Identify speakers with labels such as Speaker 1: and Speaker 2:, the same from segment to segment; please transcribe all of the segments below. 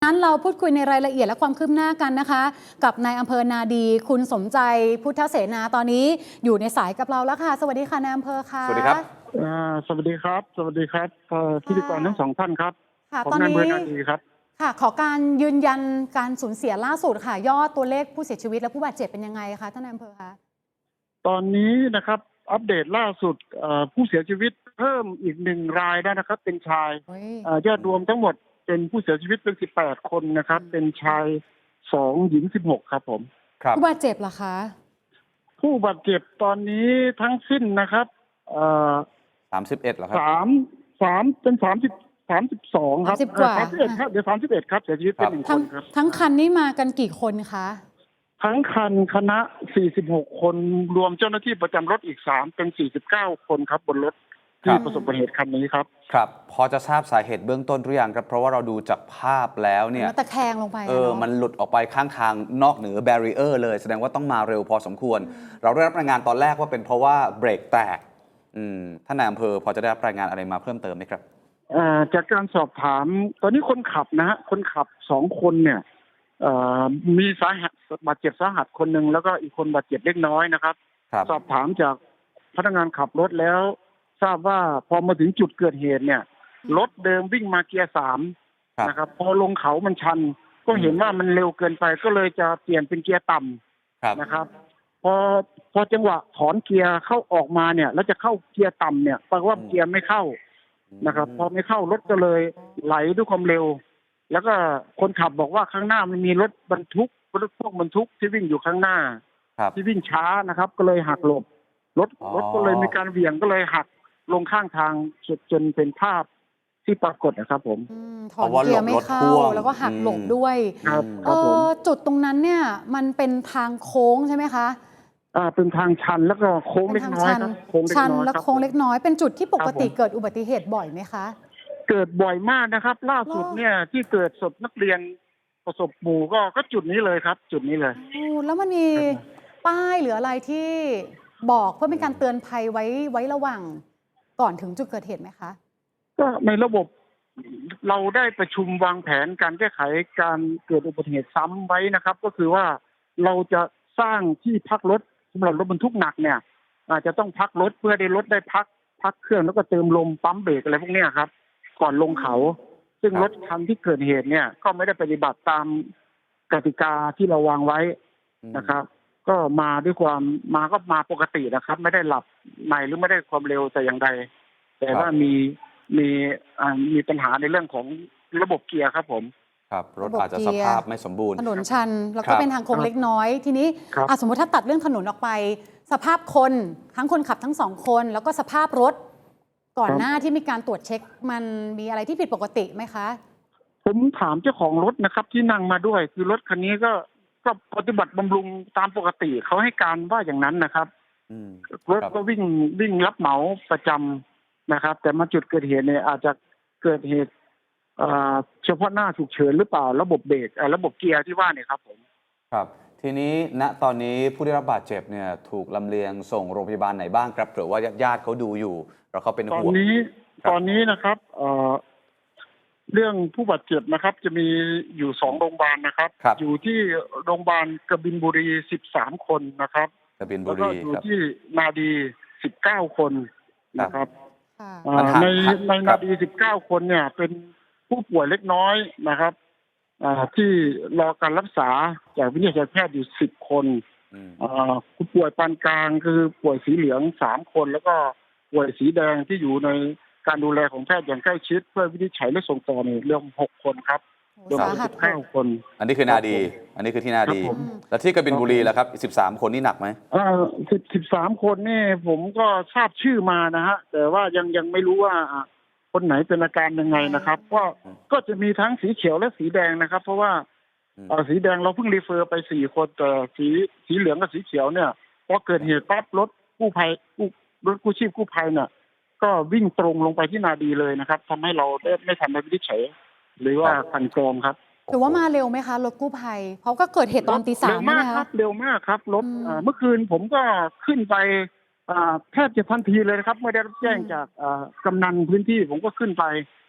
Speaker 1: นั้นเราพูดคุยในรายละเอียดและความคืบหน้ากันนะคะกับนายอำเภอนาดีคุณสมใจพุทธเสนาตอนนี้อยู่ในสายกับเราแล้วค่ะสวัสดีค่ะนายอำเภอค่ะ
Speaker 2: สวัสดีครับ
Speaker 3: สวัสดีครับสวัสดีครับพิธีกรทั้งสองท่านครับ
Speaker 1: ค่ะ
Speaker 3: ผม
Speaker 1: ตอนนี้
Speaker 3: นายอำเภอนาดีครับ
Speaker 1: ค่ะขอการยืนยันการสูญเสียล่าสุดค่ะยอดตัวเลขผู้เสียชีวิตและผู้บาดเจ็บเป็นยังไงคะท่านนายอำเภอคะ
Speaker 3: ตอนนี้นะครับอัปเดตล่าสุดผู้เสียชีวิตเพิ่มอีก1 รายแล้วนะครับเป็นชายยอดรวมทั้งหมดเป็นผู้เสียชีวิตเป็น18 คนนะครับเป็นชาย2 หญิง16ครับผม
Speaker 2: ครับ
Speaker 1: ผู้บาดเจ็บล่ะคะ
Speaker 3: ผู้บาดเจ็บตอนนี้ทั้งสิ้นนะครับ
Speaker 2: 31เหรอครับ
Speaker 3: สามเป็น32ครับ
Speaker 1: 30 กว่า
Speaker 3: 31ครับเดี๋ยว31ครับเสียชีวิตเป็น1 คนครับ
Speaker 1: ทั้งคันนี้มากันกี่คนคะ
Speaker 3: ทั้งคันคณะ46 คนรวมเจ้าหน้าที่ประจำรถอีก3เป็น49 คนครับบนรถที่ประสบอุบัติเหตุคันนี้ครับ
Speaker 2: ครับพอจะทราบสาเหตุเบื้องต้นหรือยังครับเพราะว่าเราดูจากภาพแล้วเนี่ย
Speaker 1: มันตะแคงลงไป
Speaker 2: มันหลุดออกไปข้างทางนอกเหนือแบรีเออร์เลยแสดงว่าต้องมาเร็วพอสมควรเราได้รับรายงานตอนแรกว่าเป็นเพราะว่าเบรกแตกท่านนายอำเภอพอจะได้รับรายงานอะไรมาเพิ่มเติมไหมครับ
Speaker 3: จากการสอบถามตอนนี้คนขับนะฮะคนขับ2 คนเนี่ยมีสาหัสบาดเจ็บสาหัสคนหนึ่งแล้วก็อีกคนบาดเจ็บเล็กน้อยนะครับสอบถามจากพนักงานขับรถแล้วทราบว่าพอมาถึงจุดเกิดเหตุเนี่ยรถเดิมวิ่งมาเกียร์3นะครับพอลงเขามันชันก็เห็นว่ามันเร็วเกินไปก็เลยจะเปลี่ยนเป็นเกียร์ต่ำนะครับพอจังหวะถอนเกียร์เข้าออกมาเนี่ยแล้วจะเข้าเกียร์ต่ำเนี่ยปรากฏว่าเกียร์ไม่เข้านะครับพอไม่เข้ารถก็เลยไหลด้วยความเร็วแล้วก็คนขับบอกว่าข้างหน้ามันมีรถบรรทุกพวกบรรทุกที่วิ่งอยู่ข้างหน้าที่วิ่งช้านะครับก็เลยหักหลบรถก็เลยมีการเหวี่ยงก็เลยหักลงข้างทางจนเป็นภาพที่ปรากฏนะครับผม
Speaker 1: ถอนเกียร์ไม่เข้าแล้วก็หักหลบด้วย
Speaker 3: ครับ
Speaker 1: จุดตรงนั้นเนี่ยมันเป็นทางโค้งใช่ไหมคะ
Speaker 3: เป็นทางชันแล้วก็โค้งเล็กน้อยครับ
Speaker 1: ชันและโค้งเล็กน้อยเป็นจุดที่ปกติเกิดอุบัติเหตุบ่อยไหมคะ
Speaker 3: เกิดบ่อยมากนะครับล่าสุดเนี่ยที่เกิดศพนักเรียนประสบหมู่ก็จุดนี้เลยครับจุดนี้เลย
Speaker 1: แล้วมันมีป้ายหรืออะไรที่บอกเพื่อเป็นการเตือนภัยไว้ระหว่างก่อนถึงจุดเกิดเหตุไหมคะ
Speaker 3: ก็ในระบบเราได้ประชุมวางแผนการแก้ไขการเกิดอุบัติเหตุซ้ำไว้นะครับก็คือว่าเราจะสร้างที่พักรถสำหรับรถบรรทุกหนักเนี่ยอาจจะต้องพักรถเพื่อได้รถได้พักเครื่องแล้วก็เติมลมปั๊มเบรกอะไรพวกนี้ครับก่อนลงเขาซึ่งรถคันที่เกิดเหตุเนี่ยก็ไม่ได้ปฏิบัติตามกติกาที่เราวางไว้นะครับก็มาด้วยความมาปกตินะครับไม่ได้หลับในหรือไม่ได้ความเร็วแต่อย่างใดแต่ว่ามีปัญหาในเรื่องของระบบเกียร์ครับผม
Speaker 2: ครับรถอาจจะสภาพไม่สมบูรณ์
Speaker 1: ถนนชันแล้วก็เป็นทางโค้งเล็กน้อยทีนี้สมมติถ้าตัดเรื่องถนนออกไปสภาพคนทั้งคนขับทั้ง2 คนแล้วก็สภาพรถก่อนหน้าที่มีการตรวจเช็คมันมีอะไรที่ผิดปกติไหมคะ
Speaker 3: ผมถามเจ้าของรถนะครับที่นั่งมาด้วยคือรถคันนี้ก็ปฏิบัติบำรุงตามปกติเขาให้การว่าอย่างนั้นนะครับรถก็วิ่งรับเหมาประจำนะครับแต่มาจุดเกิดเหตุเนี่ยอาจจะเกิดเหตุเฉพาะหน้าฉุกเฉินหรือเปล่าระบบเบรกระบบเกียร์ที่ว่าเนี่ยครับผม
Speaker 2: ครับทีนี้ณตอนนี้ผู้ได้รับบาดเจ็บเนี่ยถูกลำเลียงส่งโรงพยาบาลไหนบ้างครับหรือว่าญาติเขาดูอยู่แล้วเขาเป็นห่วง
Speaker 3: ตอนนี้นะครับเรื่องผู้บาดเจ็บนะครับจะมีอยู่2 โรงพยาบาลนะครับอยู่ที่โรงพยาบาลกบินบุรี13 คนนะครับ
Speaker 2: แล้วก็
Speaker 3: อยู่ที่นาดี19 คนนะครับในนาดี19 คนเนี่ยเป็นผู้ป่วยเล็กน้อยนะครับที่รอการรักษาจากวิทยาแพทย์อยู่10 คนผู้ป่วยปานกลางคือป่วยสีเหลือง3 คนแล้วก็ป่วยสีแดงที่อยู่ในการดูแลของแพทย์อย่างใกล้ชิดเพื่อวินิจฉัยและส่งต่อเนี่ยเรื่อง6 คนครับรวมเป็น19 คน
Speaker 2: อันนี้คือนาดีอันนี้คือที่นาดีแล้วที่กบินบุรีล่ะครับ13 คนนี่หนักไหม
Speaker 3: 13 คนนี่ผมก็ทราบชื่อมานะฮะแต่ว่ายังไม่รู้ว่าคนไหนเป็นอาการยังไงนะครับก็จะมีทั้งสีเขียวและสีแดงนะครับเพราะว่าสีแดงเราเพิ่งรีเฟอร์ไป4 คนแต่สีเหลืองกับสีเขียวเนี่ยพอเกิดเหตุปั๊บรถกู้ชีพกู้ภัยเนี่ยก็วิ่งตรงลงไปที่นาดีเลยนะครับทำให้เราได้ไม่ทันได้วินิจฉัยหรือว่าคันกรองครับ
Speaker 1: ถือว่ามาเร็วไหมคะรถกู้ภัยเพราะก็เกิดเหตุตอนตี 3
Speaker 3: เร็วมากครับเร็วมากครับรถเมื่อคืนผมก็ขึ้นไปแทบจะทันทีเลยนะครับไม่ได้รับแจ้งจากกำนันพื้นที่ผมก็ขึ้นไป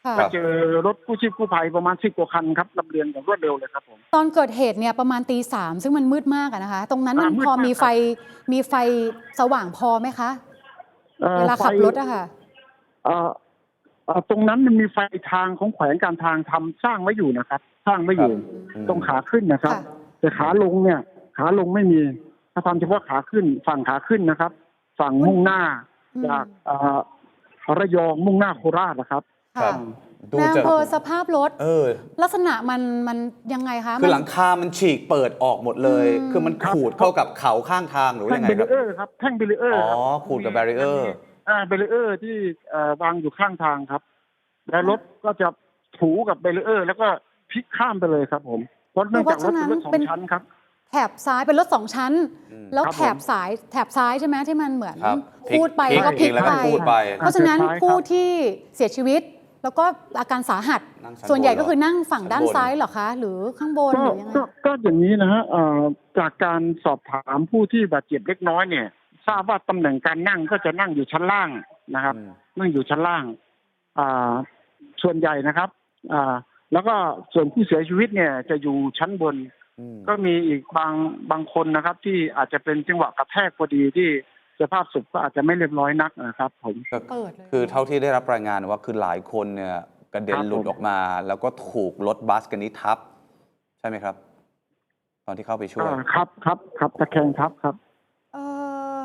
Speaker 1: ค่ะ
Speaker 3: ก็เจอรถกู้ชีพกู้ภัยประมาณ10 กว่าคันครับลำเลียงอย่างรวดเร็วเลยครับผม
Speaker 1: ตอนเกิดเหตุเนี่ยประมาณตี 3ซึ่งมันมืดมากอะนะคะ ตรงนั้นมัน
Speaker 3: มืด
Speaker 1: พอ
Speaker 3: มาก
Speaker 1: มี
Speaker 3: ค
Speaker 1: ไฟ
Speaker 3: รับ
Speaker 1: มีไฟสว่างพอไหมคะ เวลา
Speaker 3: ไฟ
Speaker 1: ขับรถอะค่ะ
Speaker 3: ตรงนั้นมันมีไฟทางของแขวงการทางทำสร้างไว้อยู่นะครับ สร้างไว้อยู่ ตรงขาขึ้นนะครับ
Speaker 1: ค่ะ
Speaker 3: แต่ขาลงเนี่ย ขาลงไม่มีถ้าทำเฉพาะขาขึ้นฝั่งขาขึ้นนะครับ ฝั่งมุ่งหน้าจากระยองมุ่งหน้าโคราชนะครับ
Speaker 2: ครั
Speaker 1: ค่ะ
Speaker 2: บ ดู
Speaker 1: ใน
Speaker 2: จาก
Speaker 1: อำเภอสภาพรถ ลักษณะมันยังไงคะ
Speaker 2: คือ
Speaker 1: มัน
Speaker 2: หลังคามันฉีกเปิดออกหมดเลย คือมันขูดเข้ากับเขาข้างทางหรือว่า
Speaker 3: แท่
Speaker 2: ยัง งไง
Speaker 3: เบ
Speaker 2: ค
Speaker 3: รี
Speaker 2: รับ
Speaker 3: เออร์ครับแท่งเบรีเออร์ครับ
Speaker 2: ขูดกับแบรีเออร์
Speaker 3: เบรีเออร์ที่วางอยู่ข้างทางครับ แล้วรถก็จะถูกับเบรีเออร์ แล้วก็พลิกข้ามไปเลยครับผมเพราะเนื่องจากรถเป็นรถสองชั้นครับ
Speaker 1: แถบซ้ายเป็นรถ2 ชั้น แล้ว
Speaker 3: ครับ
Speaker 1: แถบซ้ายใช่ไหมที่มันเหมือน
Speaker 2: ครับ
Speaker 1: พูดไป
Speaker 2: พลิก
Speaker 1: แล้วก็พลิก
Speaker 2: แล้วก็
Speaker 1: ไป
Speaker 2: พูดไป
Speaker 1: เพราะฉะนั้น
Speaker 3: ซ้ายครับ
Speaker 1: ผู้ที่เสียชีวิต แล้วก็อาการสาหัส
Speaker 2: นั่งชั้น
Speaker 1: ส่วนใหญ่
Speaker 2: บนเหรอ
Speaker 1: ก็คือนั่งฝั่งด้าน
Speaker 2: ชั้นบน
Speaker 1: ซ้ายเหรอคะ หรือข้างบนหรือยังไง
Speaker 3: ก็อย่างนี้นะฮะจากการสอบถามผู้ที่บาดเจ็บเล็กน้อยเนี่ย ทราบว่าตำแหน่งการนั่งก็จะนั่งอยู่ชั้นล่างนะครับ นั่งอยู่ชั้นล่างส่วนใหญ่นะครับแล้วก็ส่วนผู้เสียชีวิตเนี่ยจะอยู่ชั้นบน ก็มีอีกบางคนนะครับ ที่อาจจะเป็นจังหวะกระแทกพอดีที่สภาพศพก็อาจจะไม่เรียบร้อยนักนะครับผม
Speaker 1: เปิดเลย
Speaker 2: คือเท่าที่ได้รับรายงานว่าคือหลายคนเนี่ยกระเด็นหลุดออกมา แล้วก็ถูกรถบัสกันนี้ทับ ใช่ไหมครับ ตอนที่เข้าไปช่วย
Speaker 3: ครับตะแคงทับครับ
Speaker 1: เออ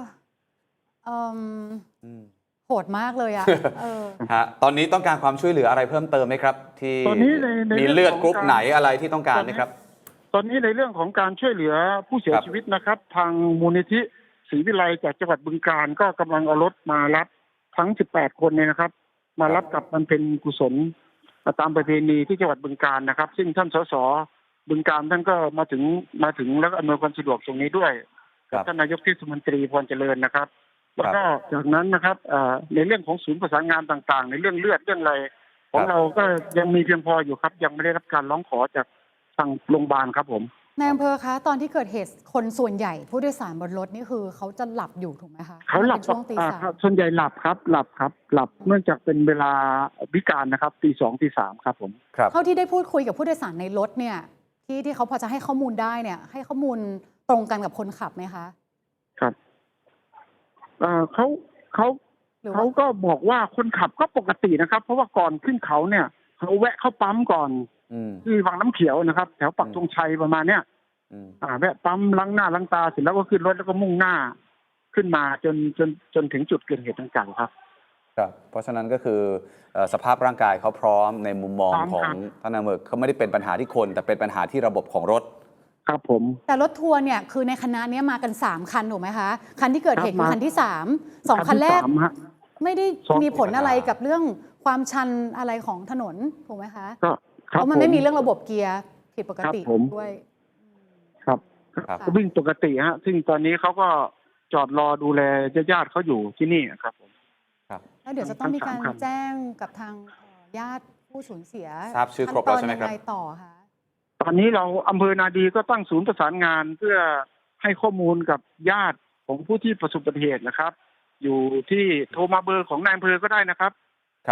Speaker 1: โหดมากเลยอะ
Speaker 2: ตอนนี้ต้องการความช่วยเหลืออะไรเพิ่มเติมไหมครับ ที่
Speaker 3: ตอนนี้ใน
Speaker 2: มีเลือดกรุ๊ปไหนอะไรที่ต้องการไหมครับ
Speaker 3: ตอนนี้ในเรื่องของการช่วยเหลือผู้เสีย
Speaker 2: ครับ
Speaker 3: ชีวิตนะครับ ทางมูลนิธิศรีวิไลจากจังหวัดบึงกาฬก็กำลังเอารถมารับทั้ง18 คนเนี่ยนะครับ มารับกลับมันเป็นกุศลตามประเพณีที่จังหวัดบึงกาฬนะครับ ซึ่งท่านสสบึงกาฬท่านก็มาถึงแล้วก็อำนวยความสะดวกตรงนี้ด้วย
Speaker 2: ครั
Speaker 3: กับ ท่านนายกเทศมนตรีพรเจริญนะครับ แล้วก็จากนั้นนะครับในเรื่องของศูนย์ประสานงานต่างๆ ในเรื่องเลือดเรื่องอะไรของเราก็ยังมีเพียงพออยู่ครับ ยังไม่ได้รับการร้องขอจากทางโรงพยาบาลครับผม
Speaker 1: ในอำเภอคะตอนที่เกิดเหตุคนส่วนใหญ่ผู้โดยสารบนรถนี่คือเขาจะหลับอยู่ถูกไหมคะ
Speaker 3: เขาหลับ
Speaker 1: เป็นช่วงตี 3
Speaker 3: ส่วนใหญ่หลับครับหลับเนื่องจากเป็นเวลาวิกาลนะครับตี 2 ตี 3ครับผม
Speaker 2: ครับ
Speaker 1: เท่าที่ได้พูดคุยกับผู้โดยสารในรถเนี่ยที่เขาพอจะให้ข้อมูลได้เนี่ยให้ข้อมูลตรงกันกับคนขับไหมคะ
Speaker 3: ครับเขา
Speaker 1: หรือว่า
Speaker 3: เขาก็บอกว่าคนขับก็ปกตินะครับ เพราะว่าก่อนขึ้นเขาเนี่ยเขาแวะเข้าปั๊มก่อนที่วังน้ำเขียวนะครับ แถวปักธงชัยประมาณเนี้ยแวะปั๊มล้างหน้าล้างตาเสร็จแล้วก็ขึ้นรถแล้วก็มุ่งหน้าขึ้นมาจนถึงจุดเกิดเหตุต่างๆครับ
Speaker 2: ครับเพราะฉะนั้นก็คือสภาพร่างกายเขาพร้อมในมุมมอง
Speaker 3: พร้อม
Speaker 2: ของ
Speaker 3: ครับ
Speaker 2: ท่านนายอำเภอเขาไม่ได้เป็นปัญหาที่คน แต่เป็นปัญหาที่ระบบของรถ
Speaker 3: ครับผม
Speaker 1: แต่รถทัวร์เนี่ยคือในคณะเนี้ยมากัน3 คันถูกไหมคะคันที่เกิดเหตุ
Speaker 3: ครับ
Speaker 1: คือคันที่2คันแรก
Speaker 3: ที่สามฮะ
Speaker 1: ไม่ได้
Speaker 3: สอง
Speaker 1: มีผลอะไรกับเรื่องความชันอะไรของถนนถูกไหมคะ
Speaker 3: ก็ค
Speaker 1: เพ
Speaker 3: รับ
Speaker 1: ราะมันไม่มีเรื่องระบบเกียร์ผิดปกติ
Speaker 3: ครับผม
Speaker 1: ด้วย
Speaker 3: ครับ
Speaker 2: ครับ
Speaker 3: ก็วิ่งปกติฮะซึ่งตอนนี้เขาก็จอดรอดูแลญาติๆเขาอยู่ที่นี่ครับผม
Speaker 1: แล้วเดี๋ยวจะต้องมีการ
Speaker 3: ทั้งสามคัน
Speaker 1: แจ้งกับทางญาติผู้สูญเสีย
Speaker 2: ทราบชื่อครบแล้วใช่ไหมครับ
Speaker 1: ขั้นตอนยังไงต่อคะ
Speaker 3: ตอนนี้เราอำเภอนาดีก็ตั้งศูนย์ประสานงานเพื่อให้ข้อมูลกับญาติของผู้ที่ประสบอุบัติเหตุนะครับ อยู่ที่โทรมาเบอร์ของนายอำเภอก็ได้นะครับ
Speaker 2: ครับ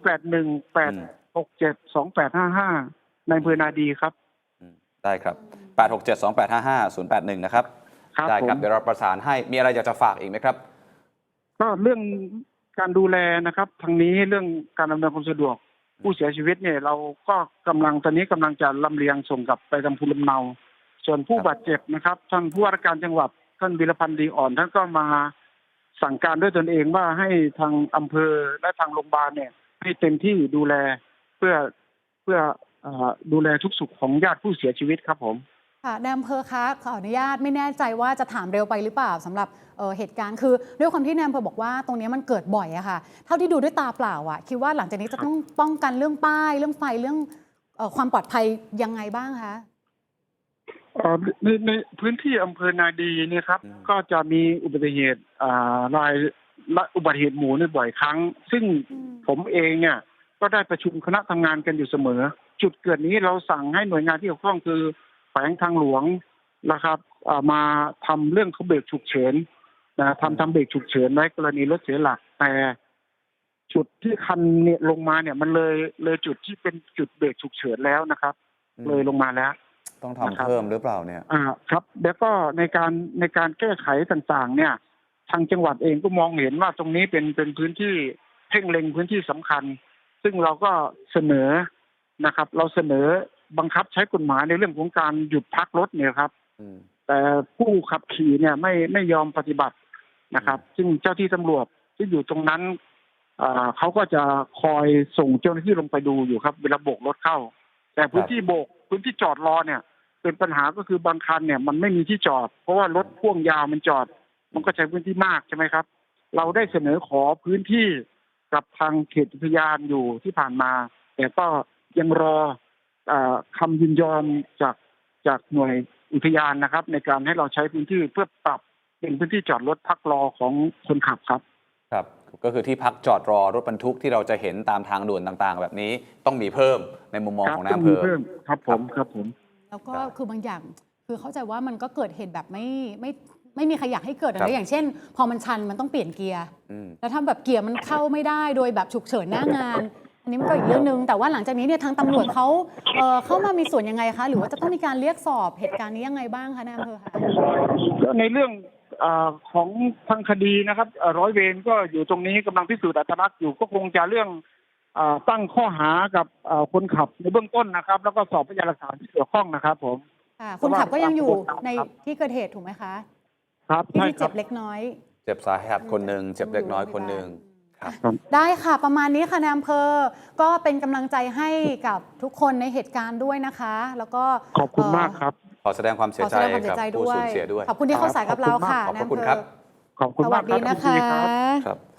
Speaker 3: 0818672855นายอำเภอนาดีครับ
Speaker 2: ได้ครับ 8672855 081 นะครับ
Speaker 3: ครับ
Speaker 2: ได้ครับ
Speaker 3: ผม
Speaker 2: เดี๋ยวเราประสานให้ มีอะไรอยากจะฝากอีกไหมครับ
Speaker 3: ก็เรื่องการดูแลนะครับทางนี้เรื่องการอำนวยความสะดวกผู้เสียชีวิตเนี่ยเราก็ตอนนี้กำลังจะลำเลียงส่งกลับไปทางภูมิลำเนา ส่วนผู้บาดเจ็บนะครับท่านผู้ว่าราชการจังหวัดท่านวีรพันธ์ดีอ่อนท่านก็มาสั่งการด้วยตนเองว่าให้ทางอำเภอและทางโรงพยาบาลเนี่ยให้เต็มที่ดูแลเพื่อดูแลทุกสุขของญาติผู้เสียชีวิตครับผม
Speaker 1: ค่ะนายอำเภอคะขออนุญาตไม่แน่ใจว่าจะถามเร็วไปหรือเปล่าสำหรับเหตุการณ์คือด้วยความที่นายอำเภอบอกว่าตรงนี้มันเกิดบ่อยอะค่ะเท่าที่ดูด้วยตาเปล่าอะคิดว่าหลังจากนี้จะต้องป้องกันเรื่องป้ายเรื่องไฟเรื่องความปลอดภัยยังไงบ้างคะ
Speaker 3: ในพื้นที่อำเภอนาดีเนี่ยครับก็จะมีอุบัติเหตุอุบัติเหตุหมู่ในบ่อยครั้ง ซึ่งผมเองเนี่ยก็ได้ประชุมคณะทำงานกันอยู่เสมอ จุดเกิดนี้เราสั่งให้หน่วยงานที่เกี่ยวข้องคือแขวงทางหลวงนะครับมาทำเรื่องเขาเบรกฉุกเฉินทำเบรกฉุกเฉินไว้กรณีรถเสียหลักแต่จุดที่คันเนี่ยลงมาเนี่ยมันเลยจุดที่เป็นจุดเบรกฉุกเฉินแล้วนะครับ เลยลงมาแล้ว
Speaker 2: ต้องทำเพิ่มหรือเปล่าเนี่ย
Speaker 3: ครับแล้วก็ในการแก้ไขต่างๆ เนี่ย ทางจังหวัดเองก็มองเห็นว่าตรงนี้เป็นพื้นที่เพ่งเล็งพื้นที่สำคัญ ซึ่งเราก็เสนอนะครับ เราเสนอบังคับใช้กฎหมายในเรื่องของการหยุดพักรถเนี่ยครับแต่ผู้ขับขี่เนี่ยไม่ยอมปฏิบัตินะครับ ซึ่งเจ้าที่ตำรวจที่อยู่ตรงนั้นเขาก็จะคอยส่งเจ้าหน้าที่ลงไปดูอยู่ครับเวลาโบกรถเข้า แต่พื้นที่โบกพื้นที่จอดรอเนี่ยเป็นปัญหาก็คือบางคันเนี่ยมันไม่มีที่จอดเพราะว่ารถพ่วงยาวมันจอดมันก็ใช้พื้นที่มากใช่ไหมครับ เราได้เสนอขอพื้นที่กับทางเขตอุทยานอยู่ที่ผ่านมาแต่ก็ยังรอคำยินยอมจากหน่วยอุทยานนะครับ ในการให้เราใช้พื้นที่เพื่อปรับเป็นพื้นที่จอดรถพักรอของคนขับครับ
Speaker 2: ครับก็คือที่พักจอดรอรถบรรทุกที่เราจะเห็นตามทางด่วนต่างๆ แบบนี้ต้องมีเพิ่มในมุมมองของนายอำเภอ
Speaker 3: ครับผม
Speaker 1: แล้วก็คือบางอย่างคือเข้าใจว่ามันก็เกิดเหตุแบบไม่มีใครอยากให้เกิดอะไรอย่างเช่น พอมันชันมันต้องเปลี่ยนเกียร์แล้วถ้าแบบเกียร์มันเข้าไม่ได้โดยแบบฉุกเฉินหน้างานอันนี้มันก็อีกเรื่องนึงแต่ว่าหลังจากนี้เนี่ยทางตำรวจเขาเข้ามามีส่วนยังไงคะหรือว่าจะต้องมีการเรียกสอบเหตุการณ์นี้ยังไงบ้างคะนายอำเภอคะ
Speaker 3: ในเรื่องของทางคดีนะครับร้อยเวรก็อยู่ตรงนี้กำลังพิสูจน์อัตลักษณ์อยู่ก็คงจะเรื่องตั้งข้อหากับคนขับในเบื้องต้นนะครับแล้วก็สอบพยานหลักฐานที่เกี่ยวข้องนะครับผม
Speaker 1: คนขับก็ยังอยู่ในที่เกิดเหตุถูกไหมคะ
Speaker 3: ครับ
Speaker 1: ที่เจ็บเล็กน้อย
Speaker 2: เจ็บสาหัสคนหนึ่งเจ็บเล็กน้อยคนหนึ่ง
Speaker 1: ได้ค่ะประมาณนี้ค่ะนายอำเภอก็เป็นกำลังใจให้กับทุกคนในเหตุการณ์ด้วยนะคะแล้วก็
Speaker 3: ขอบคุณมากครับ
Speaker 2: ขอแสดงความเสียใจกับผู้สูญเสียด้วย
Speaker 1: ขอบคุณที่เข้าสายกับเราค่ะ
Speaker 2: ขอบคุณครับ
Speaker 3: ขอบคุณมากครับ
Speaker 1: สวัสดีนะคะ